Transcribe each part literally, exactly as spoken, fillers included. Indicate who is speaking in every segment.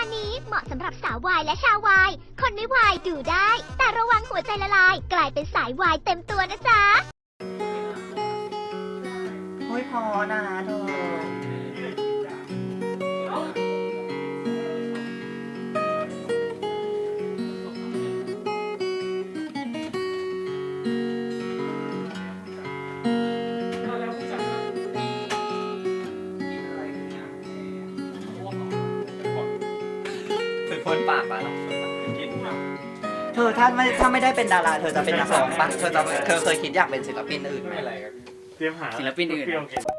Speaker 1: การนี้เหมาะสำหรับสาววายและชาววายคนไม่วายดูได้ แต่ระวังหัวใจละลาย กลายเป็นสายวายเต็มตัวนะจ๊ะ
Speaker 2: โอ้ยพอนะเธอพ่นปากไปหรอเธอถ้าไม่ถ้าไม่ได้เป็นดาราเธอจะเป็นนักร้องปะเธอจะเธอเคยคิดอยากเป็นศิลปินอื่นไหม
Speaker 3: เตรียมหา
Speaker 4: ศิลปินอื่น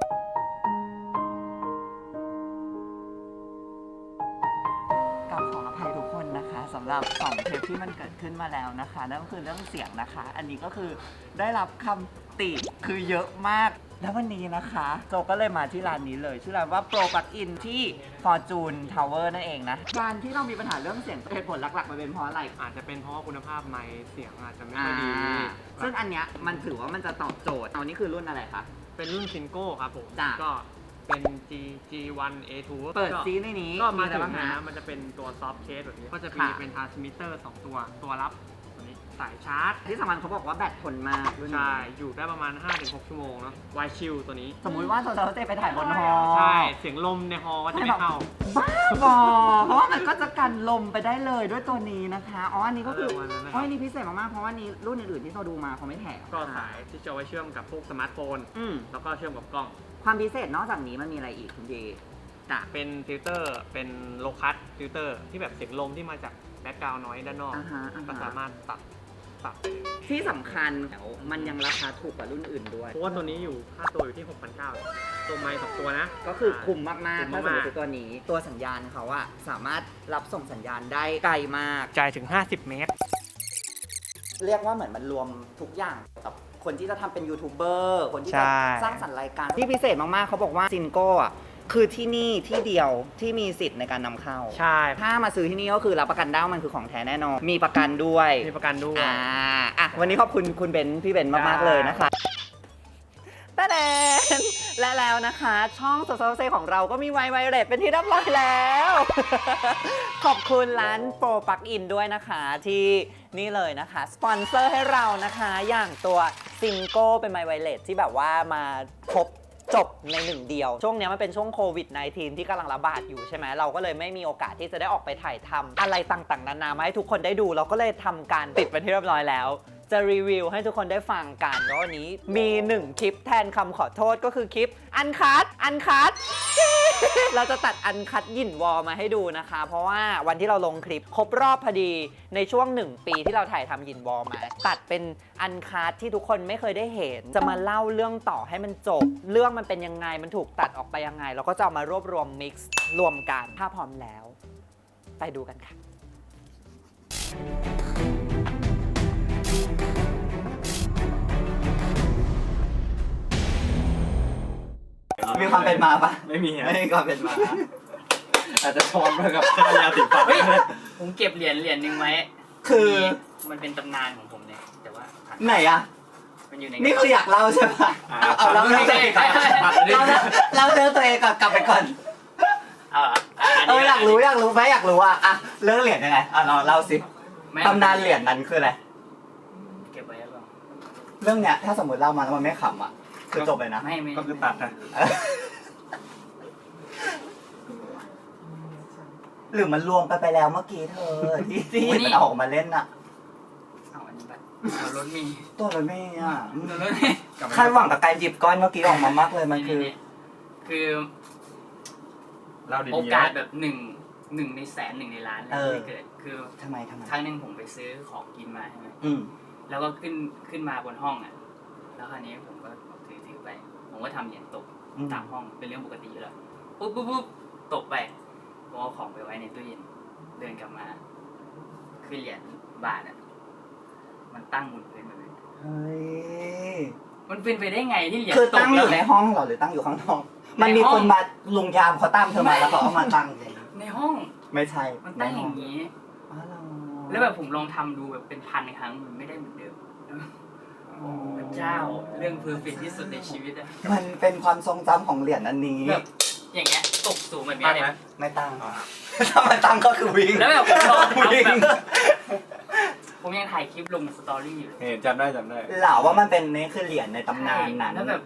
Speaker 2: กับขออภัยทุกคนนะคะสำหรับสองเทปที่มันเกิดขึ้นมาแล้วนะคะนั่นก็คือเรื่องเสียงนะคะ อันนี้ก็คือได้รับคำติคือเยอะมากแล้ววันนี้นะคะโจก็เลยมาที่ร้านนี้เลยชื่อร้านว่า Pro Plug In ที่ Fortune Tower นั่นเองนะการที่เรามีปัญหาเรื่องเสียงเหตุผลหลักๆมันเป็นเพราะอะไร
Speaker 3: อาจจะเป็นเพราะว่าคุณภาพไมค์เสียงอาจจะไม่
Speaker 2: อ่า
Speaker 3: ค่อยดี
Speaker 2: ซึ่งอันเนี้ยมันถือว่ามันจะตอบโจทย์เอานี่คือรุ่นอะไรคะ
Speaker 3: เป็นรุ่นซินโก้ครับผม
Speaker 2: จ้ะ
Speaker 3: ก็เป็น G G1 เอ ทู
Speaker 2: เปิด
Speaker 3: ก็
Speaker 2: ซีในนี้
Speaker 3: ก็มา
Speaker 2: อะไร
Speaker 3: ถึง
Speaker 2: บ้าง
Speaker 3: นะ
Speaker 2: นะ
Speaker 3: มันจะเป็นตัวซอฟต์เคสแบบนี้ ก็จะมี
Speaker 2: ค่ะ
Speaker 3: เป็นทรานสมิเตอร์สองตัว ตัวรับตัวนี้สายชาร์จ
Speaker 2: ที่สำคัญเขาบอกว่าแบตทนมากรุ่นนี้
Speaker 3: ใช่ อยู่ได้ประมาณ ห้าถึงหก ชั่วโมงเนาะไวชิลตัวนี้
Speaker 2: สมมุติว่าเราจะไปถ่ายบนฮอ
Speaker 3: ใช่ เสียงลมในฮอก็จะไม่เข้า
Speaker 2: บ้าบอเพราะว่ามันก็จะกันลมไปได้เลยด้วยตัวนี้นะคะอ๋ออันนี้ก็คือ
Speaker 3: เออวันนั้นนะครับ
Speaker 2: อ๋ออันนี้พิเศษมากๆเพราะว่านี้รุ่นอื่นๆที่เราดูมาเขาไม่แถม
Speaker 3: ก็สายที่จะเอาไว้เชื่อมกับพวกสมาร์ทโฟน
Speaker 2: อืม
Speaker 3: แล้วก็เชื่อมกับกล้อง
Speaker 2: ความพิเศษนอกจากนี้มันมีอะไรอีกคุณดีจ้ะ
Speaker 3: เป็นฟิลเตอร์ เป็นโลคัสฟิลเตอร์ที่แบบเสียงลมที่มาจากแบ็กกราวน์น้อยด้านนอก
Speaker 2: อ่าฮะอ่าฮะ
Speaker 3: ก็สามารถปรับปรับ
Speaker 2: ที่สำคัญแล้วมันยังราคาถูกกว่ารุ่นอื่นด้วย
Speaker 3: เพราะว่าตัวนี้อยู่ค่าตัวอยู่ที่ หกพันเก้าร้อย ตัวไมค์สองตัวนะ
Speaker 2: ก็คือคุ้มมาก
Speaker 3: คุ้
Speaker 2: ๆ
Speaker 3: ม
Speaker 2: ถ้าสม
Speaker 3: มาม ก
Speaker 2: ติตัวนี้ ตัวสัญญาณเขาอะสามารถรับส่งสัญญาณได้ไกลมาก
Speaker 3: จ่ายถึง ห้าสิบ เมตร
Speaker 2: เรียกว่าเหมือนมันรวมทุกอย่างกับคนที่จะทำเป็นยูทูบเบอร์คนที่
Speaker 3: ใช่
Speaker 2: จะสร้างสรรค์รายการที่พิเศษมากๆเขาบอกว่าซินโก้อะคือที่นี่ที่เดียวที่มีสิทธิ์ในการนำเข้า
Speaker 3: ใช่
Speaker 2: ถ้ามาซื้อที่นี่ก็คือรับประกันได้ว่ามันคือของแท้แน่นอนมีประกันด้วย
Speaker 3: มีประกันด้วย
Speaker 2: อ่าอ่ะวันนี้ขอบคุณคุณเบนซ์พี่เบนซ์มากๆเลยนะคะตะแดนและแล้วนะคะ ช่องโซโซเซของเราก็มีไวไวเลสเป็นที่เรียบร้อยแล้ว ขอบคุณร้านโปรปลั๊กอินด้วยนะคะที่นี่เลยนะคะ สปอนเซอร์ให้เรานะคะอย่างตัวซิงโก้เป็นไมค์ไวเลสที่แบบว่ามาครบจบในหนึ่งเดียว ช่วงนี้มันเป็นช่วงโควิด สิบเก้า ที่กำลังระบาดอยู่ใช่ไหมเราก็เลยไม่มีโอกาสที่จะได้ออกไปถ่ายทำอะไรต่างๆนานามาให้ทุกคนได้ดู เราก็เลยทำการติดเป็นที่เรียบร้อยแล้ว จะรีวิวให้ทุกคนได้ฟังกันแล้ววันนี้มีหนึ่งคลิปแทนคำขอโทษก็คือคลิปอันคัทอันคัท เราจะตัดอันคัทยินวอลมาให้ดูนะคะ เพราะว่าวันที่เราลงคลิปครบรอบพอดีในช่วงหนึ่งปีที่เราถ่ายทำยินวอลมา ตัดเป็นอันคัทที่ทุกคนไม่เคยได้เห็น จะมาเล่าเรื่องต่อให้มันจบ เรื่องมันเป็นยังไงมันถูกตัดออกไปยังไงเราก็จะเอามารวบรวมมิกซ์รวมกันถ้าพร้อมแล้ว ไปดูกันค่ะมีความเป็นมาปะ
Speaker 4: ไม่มี
Speaker 2: ไม่มีความเป็นมา
Speaker 4: อาจจะชอนไปกับค่ายาสีฟัน
Speaker 5: เฮ้ยผมเก็บเหรียญเหรียญหนึ่งไว้
Speaker 2: คือ
Speaker 5: มันเป็นตำนานของผมเนี่ยแต่ว่า
Speaker 2: ไหนอะ
Speaker 5: มันอยู่ใน
Speaker 2: นี่คืออยากเล่าใช่ปะเอาเอาเล่าเรื่องตัวเองก่อนเล่าเรื่องตัวเองก่อนกลับไปก่อน
Speaker 5: เออ
Speaker 2: เอออยากรู้อยากรู้ไหมอยากรู้อะอะเรื่องเหรียญยังไงอ่ะเราเล่าสิตำนานเหรียญนั้นคืออะไร
Speaker 5: เก็บไว้แล้วเปล่า
Speaker 2: เรื่องเนี้ยถ้าสมมติเล่ามาแล้วมันไม่ขำอะคือจบเลยนะ
Speaker 5: ไม่ไม่
Speaker 4: ก็คือตัดนะ
Speaker 2: หรือมันรวมไปไปแล้วเมื่อกี้เธอที่ที่มันเอาออกมาเล่นอะ
Speaker 5: เอาอันนี้ไปเอารถมี
Speaker 2: ตัวรถเมย์อะ
Speaker 5: เอารถมี
Speaker 2: คาดหวังกับการหยิบก้อนเมื่อกี้ออกมามากเลยมันคือ
Speaker 5: นี่คือ
Speaker 4: เล่าดีๆ
Speaker 5: โอกาสแบบหนึ่งหนึ่งในแสนหนึ่งในล้านเลยที่เกิด คือ
Speaker 2: ทำไมทำไม
Speaker 5: ครั้งหนึ่งผมไปซื้อของกินมาใช่ไหม
Speaker 2: อืม
Speaker 5: แล้วก็ขึ้นขึ้นมาบนห้องอ่ะแล้วคราวนี้ผมก็ถือถือไป ผมก็ทำเหรียญตก
Speaker 2: อืม
Speaker 5: ตามห้องเป็นเรื่องปกติอยู่แล้วปุ๊บปุ๊บปุ๊บตกไปผมเอาของไปไว้ในตู้เย็นเดินกลับมาคือเหรียญบาทอ่ะมันตั้งบนพื้นแบบนี้
Speaker 2: เฮ้ย
Speaker 5: มันเป็นไปได้ไงที่เหรียญ
Speaker 2: คือ
Speaker 5: ต
Speaker 2: ตั้
Speaker 5: ก
Speaker 2: งอ
Speaker 5: แล้ว
Speaker 2: ยู่ในห้องเหรอหรือตั้งอยู่ข้างนอก
Speaker 5: ในห้อง
Speaker 2: มันมีคนมาลุงยามเขาตามเธอมาแล้วเขาเอามาตั้งเลย
Speaker 5: ในห้อง
Speaker 2: ไม่ใช่
Speaker 5: มันตั้งอย่าง
Speaker 2: นี้
Speaker 5: นี้
Speaker 2: อ๋อเหรอ
Speaker 5: แล้วแบบผมลองทำดูแบบเป็นพันครั้งมันไม่ได้เหมือนเดิมพระเจ้าเรื่องเพอร์เฟกที่สุดในชีวิตอะ
Speaker 2: มันเป็นความทรงจำของเหรียญอันนี้
Speaker 5: แบบอย่างเงี้ยตกสูงแบบเนี้
Speaker 4: ตั้
Speaker 5: ย
Speaker 4: ง
Speaker 5: เลย
Speaker 4: ไหม
Speaker 2: ไม่ตั้งถ้ามันตั้งก็คือวิ่ง
Speaker 5: แล้วแบบผมลองทำ
Speaker 2: วิ่ง
Speaker 5: แบบผมยังถ่ายคลิปลงสตอรี่อยู่เลย
Speaker 4: เห็นจำได้จำได้
Speaker 2: เหล่าว่ามันเป็นนี่คือเหรียญในตำนานนั้น
Speaker 5: แล้วแบบ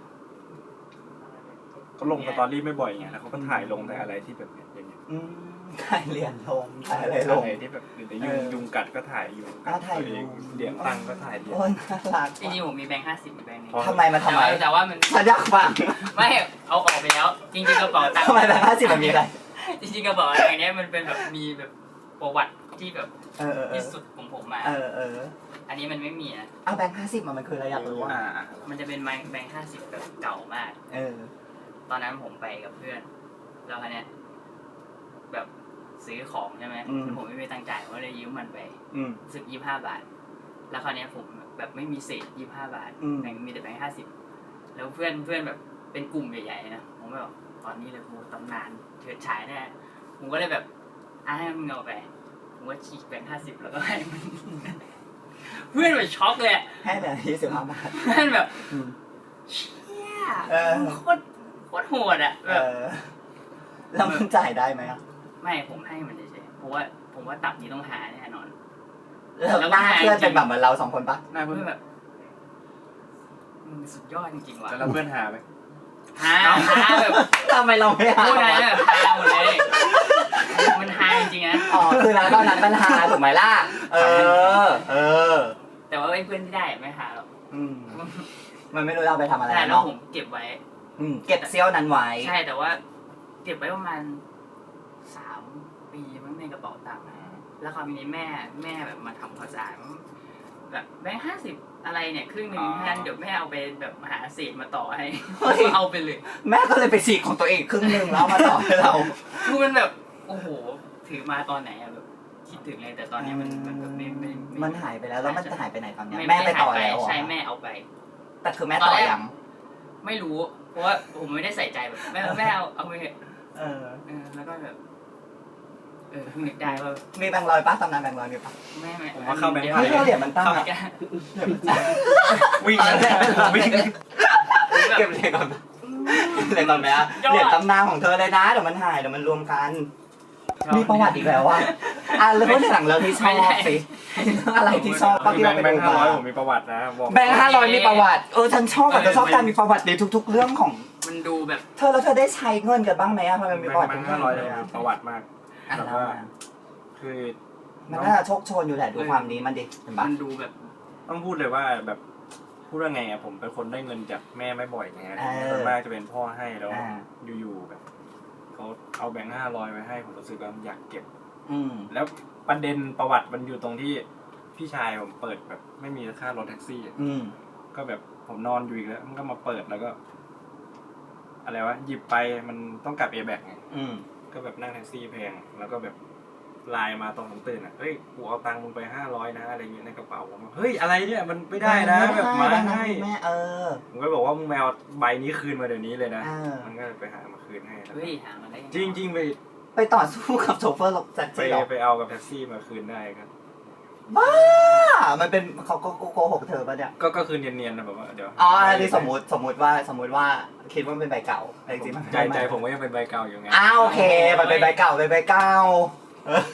Speaker 4: เขาลงสตอรี่ไม่บ่อยไงแล้วเขาก็ถ่ายลงแต่อะไรที่แบบเนี้ยอย่างเงี้ย
Speaker 2: อืมถ่ายเหรียญลงถ่ายอะไรลง
Speaker 4: อะไรที่แบบหรือยุงยุงกัดก็ถ่ายยุงกัด
Speaker 2: อ่าถ่าย
Speaker 4: ตัวเอง
Speaker 2: ยุง
Speaker 4: เหรียญตั้งก็ถ่ายเหรียญ
Speaker 2: โอ้ยน่ารัก
Speaker 5: จริงๆผมมีแบงค์ห้าสิบแบงค์หนึง
Speaker 2: ทำไมมาทำไม
Speaker 5: แต่ว่าแต่ว่ามัน
Speaker 2: ฉันอยากฟัง
Speaker 5: ไม่เอาออกไปแล้ว จริงๆกระเป๋าตังค์
Speaker 2: ทำไมแบงค์ห้าสิบมันมีอะไร
Speaker 5: จริงๆกระเป๋าตังค์เนี้ยมันเป็นแบบมีแบบประวัติที่แบบ
Speaker 2: เออเออเอ
Speaker 5: ที่
Speaker 2: อ
Speaker 5: สุดของผมมา
Speaker 2: เออเออ
Speaker 5: อันนี้มันไม่มีนะ
Speaker 2: เอาแบงค์ห้าสิบมันมันคืออะไรอยากรู้
Speaker 4: อ่า
Speaker 2: อ่ะ
Speaker 5: มันจะเป็นแบงค์แบงค์ห้าสิบแบบเก่ามาก
Speaker 2: เออ
Speaker 5: ตอนนั้นผมไปกับเพื่อน แล้วคันเนี้ยแบบซื้อของใช่ไหม
Speaker 2: อืม
Speaker 5: ผมไม่มีตังค์จ่ายผมก็เลยยืมมันไป
Speaker 2: อืม
Speaker 5: สึกยี่ห้าบาท แล้วคราวเนี้ยผมแบบไม่มีเศษยี่ห้าบาท
Speaker 2: อืม
Speaker 5: แบงค์มีแต่แบงค์ห้าสิบแล้วเพื่อนเพื่อนแบบเป็นกลุ่มใหญ่ๆนะผมก็แบบตอนนี้เลยกูตำนานเฉิดฉายแน่ผมก็เลยแบบอ่ะให้มึงเอาไปผมก็ฉีกแบงค์ห้าสิบแล้วก็ให้มัน เพื่อนแบบช็อกเลยอะ
Speaker 2: ให้แต่ยี่สิบห้าบาท
Speaker 5: เพื่อนแบบ
Speaker 2: อืม
Speaker 5: เชี่ย
Speaker 2: เออ
Speaker 5: โคตรโคตรโหดอ่ะ
Speaker 2: เอ
Speaker 5: แบบ
Speaker 2: อ แล้วมันจ่ายได้ไหมอ่ะ
Speaker 5: ไม่ผมให้มันเฉยๆเพราะว่าผมว่าตับนี้ต้องหาแน่นอน
Speaker 2: แล้วหน้าเพื่อนเป็นแบบเหมือนเราสองคนปะ
Speaker 4: หน้าเพื่
Speaker 5: เพื่
Speaker 4: อ
Speaker 5: อน นแบบมึงสุดยอดจริงๆว่ะ
Speaker 4: แล้วเพื่อนหาไหม
Speaker 5: หาหาแบบ
Speaker 2: ทำไมเราไม่หา
Speaker 5: พูดอะไรแบบฮาหมดเลย มันฮาจริงๆนะ
Speaker 2: อ๋อ คือนะตอนนั้นมันหาถูกไหมล่ะ เออ เออ
Speaker 5: แต่ว่าไอ้เพื่อนที่ได้ไม่หาหรอก
Speaker 2: อืม มันไม่รู้จะเอาไปทำอะไร
Speaker 5: แต่แล้ว
Speaker 2: เนาะ
Speaker 5: ผมเก็บไว้
Speaker 2: อืม เก็บเซี่ยวนั้นไว้
Speaker 5: ใช่แต่ว่า เก็บไว้ประมาณสามปีมั้งในกระเป๋าตังค์แล้วคราวนี้แม่แม่แบบมาทำความสะอาดแบบแบงค์ห้าสิบอะไรเนี่ยครึ่งหนึ่งแทนเดี๋ยวแม่เอาไปแบบหาเศษมาต่อให้
Speaker 2: เฮ้ย
Speaker 5: เอาไปเลย
Speaker 2: แม่ก็เลยไปฉีกของตัวเองครึ่งหนึ่งแล้วเอามาต่อให้เรา
Speaker 5: คือมันแบบโอ้โหถือมาตอนไหนอะแบบคิดถึงเลยแต่ตอนนี้มันมันแบบไม่ไม่ไ
Speaker 2: มันหายไปแล้ว แล้วมันจะหายไปไหนตอนเนี้ย
Speaker 5: ไม่
Speaker 2: แม่ไปต่อ
Speaker 5: ม่
Speaker 2: แล้ว
Speaker 5: หาย
Speaker 2: เหรอ
Speaker 5: ใช่แม่เอาไป
Speaker 2: แต่คือแม่ต่อยัง
Speaker 5: ไม่รู้ เพราะว่าผมไม่ได้ใส่ใจแบบแม่แม่เอาเอาไปเถอะ
Speaker 2: เออ
Speaker 5: เออแล้วก็แบบเออเพิ่งนึกได้ว่า
Speaker 2: มีแบงค์ร้อยป้าตำนานแบงค์ร้อยมีป้า
Speaker 5: แม่แม่
Speaker 4: ผมว่าเข้าแบงค์
Speaker 5: ดี๋ยว
Speaker 4: พัน
Speaker 2: เฮ้ยเราเหรียญมันตั้ง
Speaker 5: เข้า
Speaker 2: อะ
Speaker 5: แก
Speaker 4: วิ่งแล้ววิ่ง
Speaker 2: เก็บเหรียญก่อนเหรียญก่อนไหมอะเหรียญตำนานของเธอเลยนะเดี๋ยวมันหายเดี๋ยวมันรวมกัน มีประวัติอีกแล้วว่าอ่ะแล้วก็หนังเรื่องที่ชอบสิเรื่องอะไรที่ชอบป้าที่เราไป
Speaker 4: แบง
Speaker 2: ดู
Speaker 4: ค์ห้า
Speaker 2: มา
Speaker 4: ร้อยผมมีประวัตินะบอก
Speaker 2: แบงค์ห้าร้อยมีประวัติ เออฉันชอบอ่ะฉันชอบการมีประวัติในทุก ๆ เรื่องของ
Speaker 5: มันดูแบบ
Speaker 2: เธอแล้วเธอได้ใช้เงินกันบ้างไหมอะทำไมมีประวัติ
Speaker 4: แบง
Speaker 2: ทุ
Speaker 4: ค์
Speaker 2: กเรื่
Speaker 4: ห้า
Speaker 2: อง
Speaker 4: ร้อย
Speaker 2: เล
Speaker 4: เลย
Speaker 2: ยอะ
Speaker 4: ประวัติมาก
Speaker 2: อ่ะ
Speaker 4: แบบ
Speaker 2: แล้ว
Speaker 4: ว่า
Speaker 2: อะ
Speaker 4: คือ
Speaker 2: มันน่าจะโชคโชนอยู่แหละดูความนี้มันดิเห็นปะ
Speaker 5: มันดูแบบ
Speaker 4: ต้องพูดเลยว่าแบบพูดว่าไงอะผมเป็นคนได้เงินจากแม่ไม่บ่อยไงส่วนมากจะเป็นพ่อให้แล้วอยู่ๆแบบเขาเอาแบงค์ห้าร้อยไว้ให้ผมรู้สึกว่าอยากเก็บ
Speaker 2: อืม
Speaker 4: แล้วประเด็นประวัติมันอยู่ตรงที่พี่ชายผมเปิดแบบไม่มีค่ารถแท็กซี่อะ
Speaker 2: อืม
Speaker 4: ก็แบบผมนอนอยู่อีกแล้วมันก็มาเปิดแล้วก็ อะไรวะหยิบไปมันต้องกลับเอแบกไง
Speaker 2: อืม
Speaker 4: ก็แบบนั่งแท็กซี่แพงแล้วก็แบบไลน์มาตอนผมตื่นอ่ะเฮ้ยกูเอาตังค์มึงไปห้าร้อยนะอะไรเงี้ยในกระเป๋าผมเฮ้ยอะไรเนี่ยมันไม่ได้นะแบบมาให้
Speaker 2: แม่เออ
Speaker 4: ผมก็บอกว่ามึงแมวใบนี้คืนมาเดี๋ยวนี้เลยนะ
Speaker 2: เออ
Speaker 4: มันก็ไปหามาคืนให้แล้ว
Speaker 5: เฮ้ยหามาได้ยังไง
Speaker 4: จริงจริงๆไป
Speaker 2: ไปต่อสู้กับโชเฟอร์รถแท็ก
Speaker 4: ไป
Speaker 2: ซี่หรอ
Speaker 4: ไปเอากับแท็กซี่มาคืนได้ครับ
Speaker 2: บ้ามันเป็นเขาก็โกหกเธอปะเนี่ย
Speaker 4: ก็ก็คือเนียนๆนะแบบว่าเดี๋ยว
Speaker 2: อ๋ออันนี้สมมติสมมติว่าสมมติว่าคิดว่ามันเป็นใบเก่าแต่จริงๆมัน
Speaker 4: ใจใจผมก็ยังเป็นใบเก่าอยู่ไง
Speaker 2: อ้าวโอเคมันเป็นใบเก่าเป็นใบเก่าเออ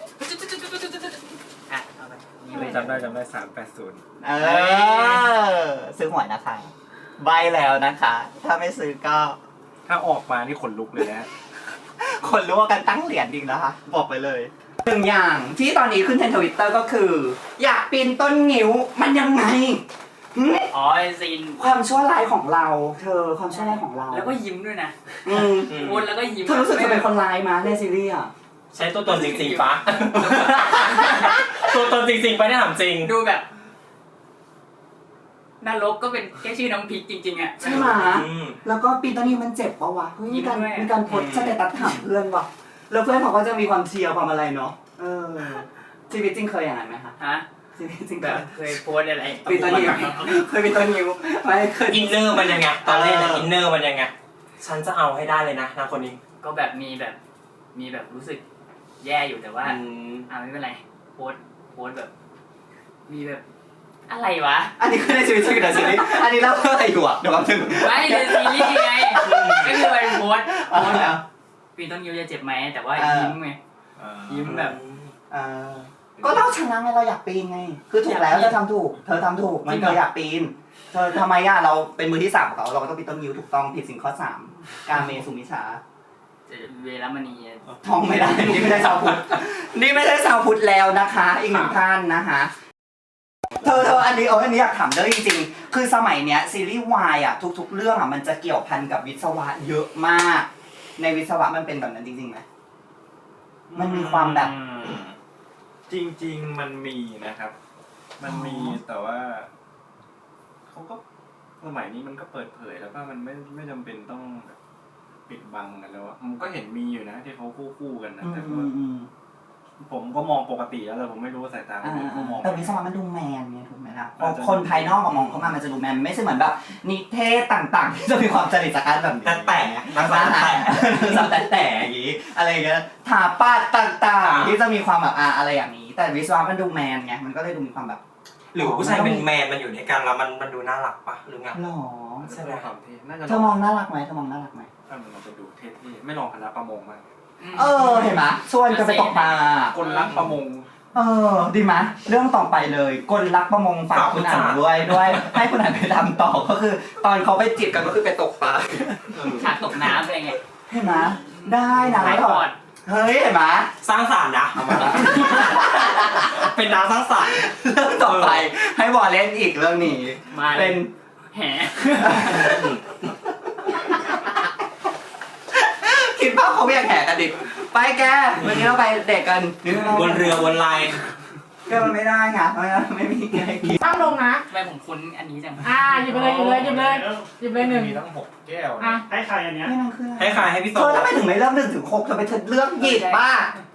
Speaker 5: อ่ะเอาไปนี่เลย
Speaker 4: จำได้จำได้สามแปดศูนย์
Speaker 2: เออซื้อหวยนะคะใบแล้วนะคะ ถ้าไม่ซื้อก็
Speaker 4: ถ้าออกมานี่ขนลุกเลยนะ
Speaker 2: คนรู้ว่ากันตั้งเหรียญจริงนะคะ บอกไปเลยหนึ่งอย่างที่ตอนนี้ขึ้นเทรนด์ทวิตเตอร์ก็คือ อยากปีนต้นงิ้วมันยังไงหึ
Speaker 5: อ๋อไอซีน
Speaker 2: ความชั่วร้ายของเรา เธอความชั่วร้ายของเรา
Speaker 5: แล้วก็ยิ้มด้วยนะ
Speaker 2: อืม
Speaker 5: วนแล้วก็ยิ้ม
Speaker 2: เธอรู้สึกจะเป็นคนร้ายมาในซีรีส์อ่ะ
Speaker 6: ใช้ตัวตนจริงๆปะ ตัวตนจริงๆปะเนี่ยถามจริง
Speaker 5: ดูแบบนรกก็เป็นแค่ชื่อน้ำพริกจริงๆอ่ะ
Speaker 2: ใช่ไหม
Speaker 6: อืม
Speaker 2: แล้วก็ปีนต้นงิ้วมันเจ็บปะวะเฮ้ยมีการ
Speaker 5: ยิ้มด้วย
Speaker 2: มีการโพสต์สเตตัสถามเพื่อนว่ะแล้วเพื่อนเขาก็จะมีความเชียร์ความอะไรเนาะเออชีวิตจริงเคยอย่างนั้นไหมคะ
Speaker 5: ฮะ
Speaker 2: ชีวิตจริง
Speaker 5: แบ
Speaker 2: เค
Speaker 5: บ
Speaker 2: ย
Speaker 5: เคยโพสต์อะไร
Speaker 2: ปีนต้นงิ้วเคยปีนต้นงิ้วไม่เคย
Speaker 6: อินเนอร์มันยังไง ตอนเล่นนะ
Speaker 2: เอออิ
Speaker 6: อินเนอร์มันยังไง ฉันจะเอาให้ได้เลยนะนางคนนี้
Speaker 5: ก็แบบมีแบบ มีแบบรู้สึกแย่อยู่แต่ว่า
Speaker 6: อืม
Speaker 5: อ่าไม่เป็นไรโพสต์โพสต์แบบ มีแบบโพอะไรวะ
Speaker 2: อันนี้คือในชีวิตจริงแต่ซีรีส์อันนี้เล่าเรื่องอะไรอยู่อ่ะเดี๋ยวแป๊บนึง
Speaker 5: ไม่ในซีรีส์ไงก็คือมันโพสต์โพสต์แบบปีต้นยิ้วจะเจ็บไหมแต่ว่ายิ้มไงยิ้มแบบ
Speaker 2: เออก็เราชนะไงเราอยากปีนไง คือถูกแล้วเธอทำถูก เธอทำถูกมันเธออยากปีน เธอทำไมอ่ะเราเป็นมือที่สามของเขาเราก็ต้องปีนต้นยิ้วถูกต้องผิดสิ่งข้อสามการเมสุมิชา
Speaker 5: เวรมณี
Speaker 2: ท่องไม่ได้ นี่ไม่ใช่ชาวพุทธนี่ไม่ใช่ชาวพุทธแล้วนะคะ อีกหนึ่งท่านนะคะเธอเธออันนี้เอออันนี้อยากถามเรื่องจริงๆคือสมัยเนี้ยซีรีส์วายอ่ะทุกๆเรื่องอ่ะมันจะเกี่ยวพันกับวิศวะเยอะมาก ในวิศวะมันเป็นแบบนั้นจริงๆไหมมันมีความแบบ
Speaker 4: จริง ๆ มันมีนะครับ มันมีแต่ว่าเขาก็สมัยนี้มันก็เปิดเผยแล้วว่ามันไม่ไม่จำเป็นต้องแบบปิดบังกันแล้วอะมันก็เห็นมีอยู่นะที่เขาคู่คู่ๆกันนะแต่ว่าผมก็มองปกติแล้วแต่ผมไม่รู้ว่าสายตาคนอื่นเขามอง
Speaker 2: แต่วิศวะมันดูแมนไงถูกไหมล่ะพอคนภายนอกมามองเข้ามามันจะดูแมนไม่ใช่เหมือนแบบนิเทศต่างๆที่จะมีความจริตจักรแบบนี้
Speaker 6: แต่แต่นักศึกษาแต่
Speaker 2: สับแต่แต่อย่างนี้อะไรอย่างเงี้ยถาปัดต่างๆที่จะมีความแบบอ่ะอะไรอย่างนี้ แต่วิศวะมันดูแมนไงมันก็เลยดูมีความแบบ
Speaker 6: หรือผู้ชายเป็นแมนมันอยู่ด้วยกันแล้วมันมันดูน่ารักปะหรือไง
Speaker 2: หรอ
Speaker 4: ใช่ไหมครับที่น่าจะ
Speaker 2: เธอมองน่ารักไหมเธอมองน่ารักไหม
Speaker 4: ถ้ามันจะดูเท่ๆไม่ลองคณะประมงมาก
Speaker 2: เออเห็นไหมชวนกันไปตกปลา
Speaker 4: คนรักประมง
Speaker 2: เออดีไหมเรื่องต่อไปเลยกลรักประมงฝากคุณอ่านด้วยด้วยให้คุณอ่านไปทำต่อก็คือ ตอนเขาไปจีบกันก็คือไปตกปลา
Speaker 5: ฉากตกน้ำอะไรเงี้ย
Speaker 2: เห็นไหมได้นะ
Speaker 5: ถ่าย
Speaker 2: แล้ว
Speaker 5: ท
Speaker 2: แบบ
Speaker 5: อด
Speaker 2: เฮ้ยเห็นไหม
Speaker 6: สร้างสรรค์นะเอามาละเป็นดาวสร้างสรรค์
Speaker 2: เรื่องต่อไปให้บอลเล่นอีกเรื่องนี้
Speaker 5: มาเล
Speaker 2: เป็
Speaker 5: ย
Speaker 2: น
Speaker 5: แห
Speaker 2: คิดภาพเขาเรียกแห่กันดิไปแกวันนี้เราไปเด็กกัน
Speaker 6: บนเรือบนลาย
Speaker 2: ก็มันไม่ได้ไงเพราะงั้นไม่มีใครกิน
Speaker 7: ตั้งลงนะ
Speaker 5: ทำไมผมคุ้นอันนี้จัง
Speaker 7: อ่าหยิบไปเลยหยิบเลยหยิบเลยหยิบเลยหนึ่ง
Speaker 4: มีทั้งหกแก้ว
Speaker 7: อ่ะ
Speaker 3: ให้ใครอันเนี้ย
Speaker 2: นี่มันคืออะไร
Speaker 6: ให้ใครให้พี่โซ
Speaker 2: เธอทำไมถึงไม่เริ่มหนึ่งถึงหกเธอไปเลือกหยิบบ้า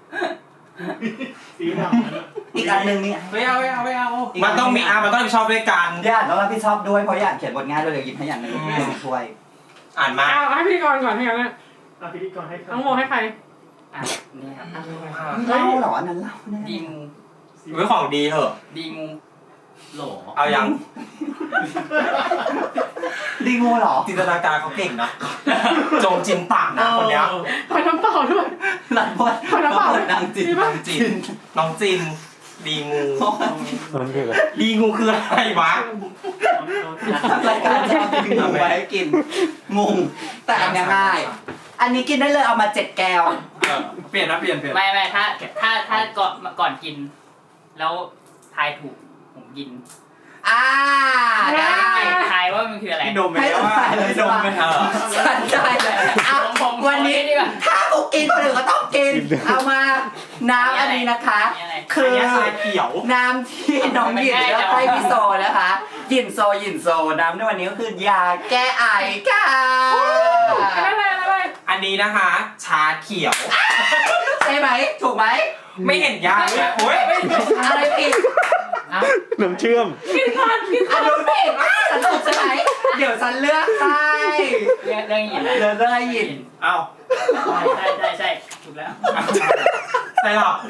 Speaker 3: สีดำ
Speaker 2: อีกอันหนึ่งนี่
Speaker 6: ไม่เอาไม่เอาไม่เอามันต้องมีอ่ะมันต้องรับผิดชอบด้วยกัน
Speaker 2: ญาติต้องรับผิดชอบด้วยเพราะญาติเขียนบทง่ายเลยเดี๋ยวหยิบให้อย่างหนึ่งช่วย
Speaker 6: อ่านมา
Speaker 7: เอาเอาให้พิธีกรก่อนให้กันนะ
Speaker 3: อ่ะพิธีกรให้ใคร
Speaker 7: น้องโมให้ใคร
Speaker 5: อ่ะนี่ครับ
Speaker 2: เล่าเหรออันนั้นเล่าแน่
Speaker 5: ดีงู
Speaker 6: ไว้ของดีเถอะ
Speaker 5: ดีงูโหล
Speaker 6: เอายัง
Speaker 2: ดีงูเหรอ
Speaker 6: จินตนาการเขาเก่งนะโจงจินปากนะคนเนี้ย
Speaker 7: ขอน้ำเปล่าด้วย
Speaker 2: หลังบท
Speaker 7: ขอน้ำเปล่า
Speaker 2: นางจิต
Speaker 7: มีปะ
Speaker 6: น้องจินน้องจิน ดีงู ดีงูคืออะไรวะ
Speaker 2: รายการจะเอาดีงูไว้ให้กินงงแต่อันเนี้ยง่าย อันนี้กินได้เลยเอามาเจ็ดแก้ว
Speaker 6: เออเปลี่ยนนะเปลี่ยนเปลี่ยน
Speaker 5: ไม่ไม่ถ้าถ้าถ้าก่อนก่อนกิน แล้วทายถูกผมกิน
Speaker 2: อ่าได้
Speaker 5: ทายว่ามันคืออะไร
Speaker 6: พี่ดมไป
Speaker 2: ให้
Speaker 6: แล้ว
Speaker 2: เรา
Speaker 6: ว่า
Speaker 2: ถ่ายเลย
Speaker 6: พี่
Speaker 2: ใช่
Speaker 6: ดม
Speaker 2: ปะ
Speaker 6: ไปเถอะ
Speaker 2: ฉันได้เลยเอา
Speaker 5: ผมผม
Speaker 2: วันนี้
Speaker 5: ดีกว่า
Speaker 2: ถ้ากูกินคนอื่นก็ต้องกิน เอามาน้ำอันนี้นะคะ
Speaker 5: นี่อะไร
Speaker 2: คือ
Speaker 6: อันนี้ชาเขียว
Speaker 2: น้ำที่น้องหยินแล้วให้พี่โซนะคะหยินโซหยินโซน้ำในวันนี้ก็คือยาแก้ไอค่ะ
Speaker 7: อะไรอะไรอะไร
Speaker 6: อันนี้นะคะ ชาเขียว
Speaker 2: ใช่ไหมถูกไหม
Speaker 6: ไม่เห็นยากเลยโอ้ย
Speaker 2: อะไรผิด
Speaker 3: น้ำเชื่อม
Speaker 7: กินก่อนกิน
Speaker 2: อันนู้นผิดฉันถูกใช่ไหมเดี๋ยวฉันเลือกให้
Speaker 5: เรื่องเรื่องหิน
Speaker 2: เลือกได้หยิน
Speaker 6: เอ้า
Speaker 5: ใช่ใช่ใช่ถูกแล้ว
Speaker 6: ใส่หรอก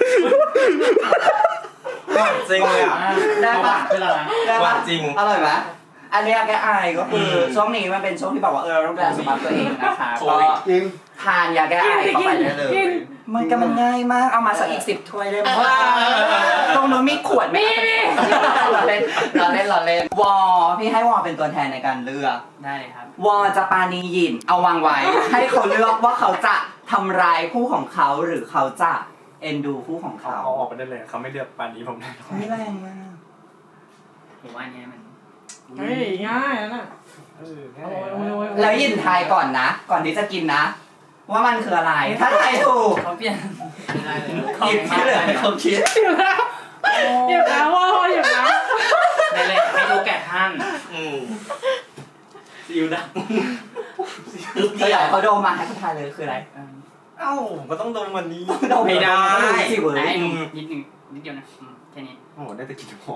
Speaker 6: หวานจริงเลยอ่ะ
Speaker 2: ได้ปะ
Speaker 6: เป็นอะไร
Speaker 2: ได้
Speaker 6: ห
Speaker 2: ปะ
Speaker 6: วานจริง
Speaker 2: อร่อยไหมอันนี้แก้ไอก็คืออ
Speaker 6: ม
Speaker 2: ช่วงนี้มันเป็นช่วงที่แบบว่าเออต้องดูแลสุขภาพตัวเองนะคะ
Speaker 6: โอ้
Speaker 2: ก็
Speaker 6: ย
Speaker 2: ทานยาแก้ไอเข้าไปได้เลย มันก็มันง่ายมาก เอามาสักอีกสิบถ้วยได้ไหมตรงนู้นมีขวดไหมเราเล่นเราเล่นเราเล่นวอพี่ให้วอเป็นตัวแทนในการเลือก
Speaker 5: ได้เลยครับ
Speaker 2: วอจะปานีหยิน เอาวางไว้ ให้เขาเลือกว่าเขาจะทำร้ายคู่ของเขาหรือเขาจะเอ็นดูคู่ของ
Speaker 4: เขา
Speaker 2: เขา
Speaker 4: เอาออกไปได้เลยเขาไม่เลือกปานนี้ผมแน่นอน
Speaker 2: ไม่แรงมาก
Speaker 5: ผมว่าอันเนี้ยมัน
Speaker 7: เฮ้ยง่ายนะ
Speaker 4: เออง่า
Speaker 7: โอ้
Speaker 4: ย
Speaker 7: ยโอ้ยโอ้ย
Speaker 2: แล้วหยินทายก่อนนะ ก่อนที่จะกินนะ ว่ามันคืออะไร ถ้าทายถูก
Speaker 5: เขาเปลี่ยนไม่ได้เลย
Speaker 2: หยิบที่เหลือให้เขาคิด
Speaker 7: หยิบแล้วหยิบแล้วว่าหยิบแล้ว
Speaker 5: ได้เลยให้ดูแกะท่าน
Speaker 6: อืม
Speaker 5: ซิวด
Speaker 2: เธออยากให้เขาโดมมาให้เขาทายเลยคืออะไร
Speaker 6: เอ้าก็ต้องดมวันนี้
Speaker 2: โดม
Speaker 6: ไม่ได้
Speaker 2: สิเว้
Speaker 5: ำได้
Speaker 2: ย
Speaker 5: นิดหนึ่งนิดเดียวนะอืมแค่นี้
Speaker 4: โอ้โหได้แต่กลินหอม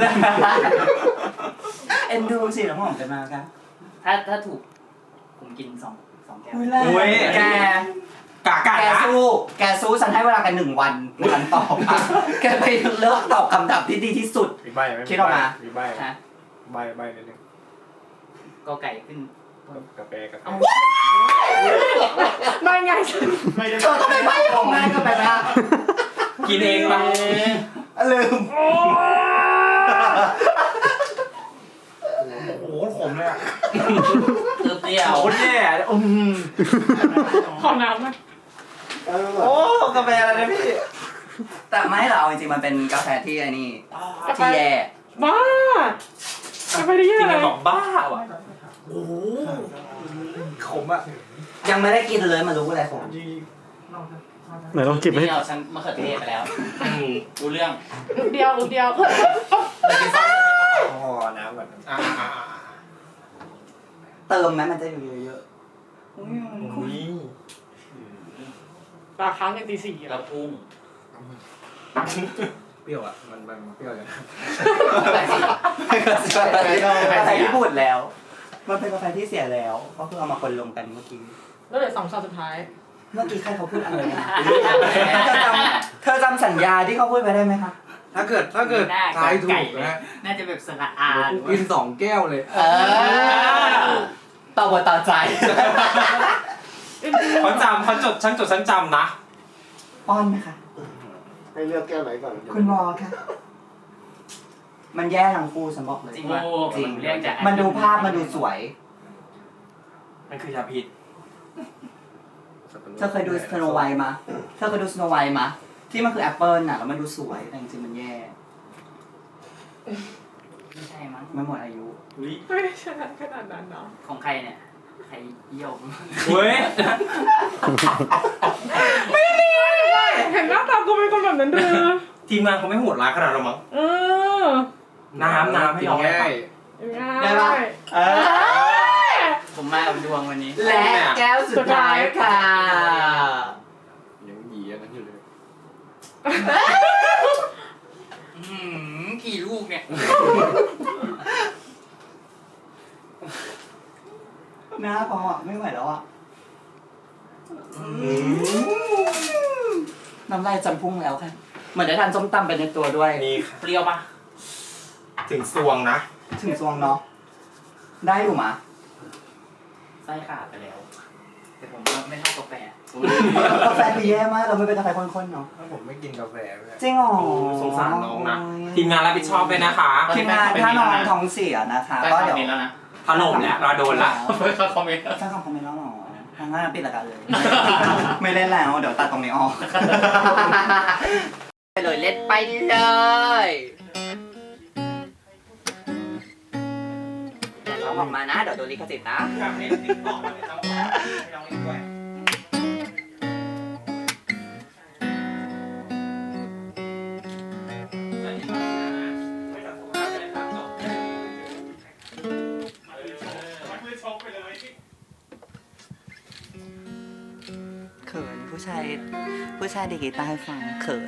Speaker 2: เอ็นดูสิน้ำหอมจะมากัน
Speaker 5: ถ้าถ้าถูก ผมกินสองสองแก้ว
Speaker 2: อุ้ยแรงแก
Speaker 6: กากัน
Speaker 2: แก
Speaker 6: นะ
Speaker 2: สู้แกสู้ฉันให้เวลากันหนึ่งวันในการตอบอ่ะแกไปเลือกตอบคำถามที่ดีที่สุด
Speaker 4: มีใบไหม
Speaker 2: คิดออกมา
Speaker 4: มีใบไหม
Speaker 5: ฮะ
Speaker 4: ใบใบนิดนึง
Speaker 5: ก็ไก่ขึ้น
Speaker 4: กาแฟกาแฟ
Speaker 7: ไม่ไง
Speaker 4: ไม่ได้
Speaker 2: เธอก็ไม่ใบ้ของง่ายก็ไปนะ
Speaker 6: กินเองปะ
Speaker 2: ลืม
Speaker 4: โอ้โหขมเลยอ่ะ
Speaker 5: เติมเปรี้ยว
Speaker 4: โคตรแย่อืม
Speaker 7: ขอน้ำไหม
Speaker 4: โอ้กาแฟอะไรนะพี่
Speaker 2: แต่ไม่หรอกเอาจริงๆมันเป็นกาแฟที่ไอ้นี่ที่แย่
Speaker 7: บ้าจะไปได้
Speaker 6: จริ
Speaker 7: ยัง งไง
Speaker 6: ๆบอกบ้าว่ะ
Speaker 4: โอ้โหขมอ่ะ
Speaker 2: ยังไม่ได้กินเลยมารู้อะไรผม
Speaker 8: ไหนลองจิบให้
Speaker 5: นี่เอาฉันมะเขือเทศไปแล้วรู้เรื่อง
Speaker 7: เดียวเดียว
Speaker 5: ไปกินซ้ำ
Speaker 4: อ๋อน้ำก่อน
Speaker 6: อ่า
Speaker 2: เติมไหมมันจะอยู่เยอะ
Speaker 6: อุ้ย
Speaker 7: ตาค้างกันตีสี่
Speaker 5: กระพุ้ง
Speaker 4: เปรี้ยวอ่ะมันมันเปรี้ยวเลย
Speaker 2: ๆกาแฟที่พูดแล้ว มันเป็นกาแฟที่เสียแล้วก็คือเอามาคนลงกันเมื่อกี้
Speaker 7: แล้วเหลือสองชาสุดท้าย
Speaker 2: เมื่อกี้ใครเขาพูดอะไรนะเธอจำเธอจำสัญญาที่เขาพูดไปได้ไหมคะ
Speaker 4: ถ้าเกิดถ้าเกิด
Speaker 5: หน้า
Speaker 4: ทายถู
Speaker 5: ไก่
Speaker 4: ก
Speaker 5: เลย
Speaker 4: นะ
Speaker 5: น่าจะแบบสระอา
Speaker 4: เดี๋ยวกูกินสองแก้วเลย
Speaker 2: เออต่อบทต่อใจ
Speaker 6: เขาจำเขาจดฉันจดฉันจำนะ
Speaker 2: ป้อนไหมคะ
Speaker 4: ให้เลือกแก้วไหนก่อน
Speaker 2: คุณวอค่ะ มันแย่ทั้งคู่ฉันบอกเลย
Speaker 5: จริงป่ะ
Speaker 2: จริง
Speaker 5: เรียกจาก
Speaker 2: มันดูภาพมันดูสวย
Speaker 6: มันคือยาพิษ
Speaker 2: เธอเคยดูสโนไวท์มาเธอเคยดูสโนไวท์มาที่มันคือแอปเปิลน่ะแล้วมันดูสวยแต่จริงๆมันแย่
Speaker 5: ไม่ใช่มั้ง
Speaker 2: ไม่หมดอายุ
Speaker 7: ไม่ได้ชนะขนาดนั้นเนาะ
Speaker 5: ของใครเนี่ยใครเยี่ยว
Speaker 6: เว้ย
Speaker 7: เห็นหน้าตากูเป็นคนแบบนั้นเด้อ
Speaker 6: ทีมงานเขาไม่โหดร้ายขนาดนั้นมั้ง
Speaker 7: เออ
Speaker 6: น้ำน้ำให้น้องหน่อย
Speaker 4: ง่าย
Speaker 7: ง่าย
Speaker 2: ได้ปะเออ
Speaker 5: ผมมาเอาดวงวันนี้
Speaker 2: และแก้วสุดท้ายค่ะ
Speaker 4: ยังหยีอันนั้นอยู่เลย
Speaker 5: อืมกี่ลูกเนี่ย
Speaker 2: หน้าพออ่ะไม่ไหวแล้วอ่ะน้ำลายจำพุ่งแล้วค่ะเหมือนได้ทานส้มตำไปในตัวด้วย
Speaker 6: นี่ค่ะ
Speaker 5: เปรี้ยวปะ
Speaker 6: ถึงซวงนะ
Speaker 2: ถึงซวงเนาะได้อยู่มะ
Speaker 5: ไส้ขาดไปแล้ว แต่ผมว่าไม่เท่ากาแฟ
Speaker 2: กาแฟคือแย่มากเราไม่เป็นกาแฟข้นๆเนาะ
Speaker 4: ถ้าผมไม่กินกาแฟเลย
Speaker 2: จริงเหรอ
Speaker 6: สงสารน้องนะ ทีมงานรับผิดชอบด้วยนะคะ
Speaker 2: ทีมงานถ้าน้องท้องเสียนะคะ
Speaker 5: ได้
Speaker 2: ก็
Speaker 5: คอม
Speaker 2: เดี๋ยว
Speaker 5: เมนต์แล้วนะ
Speaker 6: ถล่มแล้วเราโดนละ
Speaker 5: ไม่เข้าคอมเมนต์
Speaker 2: สร้างคำคอมเมนต์แล้วเหรอทางงานปิดรายการเลย ไม่เล่นแล้วเดี๋ยวตัดตรงนี้ออกไปเลยเล่นไปเลยเราออกมานะเดี๋ยวโดนลิขสิทธิ์นะ
Speaker 6: อยากเล่นติ๊กต็อกเลยต้องให้น้องเล่นด้วย
Speaker 2: เขินผู้ชายผู้ชายดีดกีตาร์ให้ฟังเขิน